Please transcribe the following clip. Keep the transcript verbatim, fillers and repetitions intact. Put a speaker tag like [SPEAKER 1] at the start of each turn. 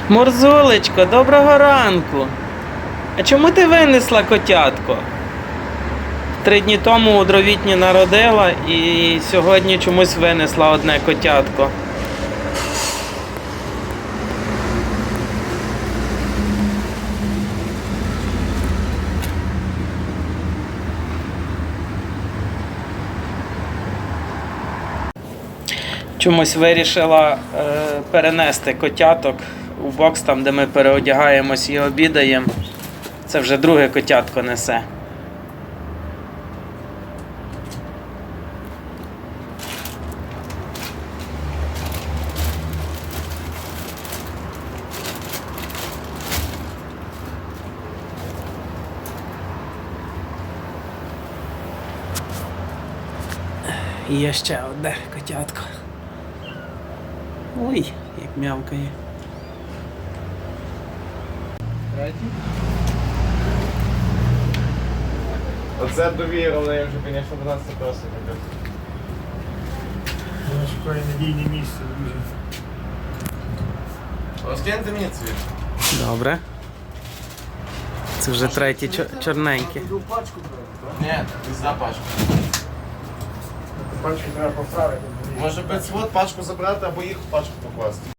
[SPEAKER 1] Мурзулечко, доброго ранку. А чому ти винесла котятко? Три дні тому у дровітні народила і сьогодні чомусь винесла одне котятко. Чомусь вирішила е, перенести котяток у бокс, там де ми переодягаємось і обідаємо. Це вже друге котятко несе. І є ще одне котятко. Ой, як м'явкає.
[SPEAKER 2] Оце довіра, але я вже, звісно, дванадцять класу не
[SPEAKER 3] Я шукаю надійне місце, друзі.
[SPEAKER 2] Розкиньте мені цвіт.
[SPEAKER 1] Добре. Це вже третій чор- чорненький.
[SPEAKER 3] Пачку брати,
[SPEAKER 2] Ні, ти за пачку.
[SPEAKER 3] так? Пачку треба поставити.
[SPEAKER 2] Може п'ять свод пачку забрати або їх в пачку покласти.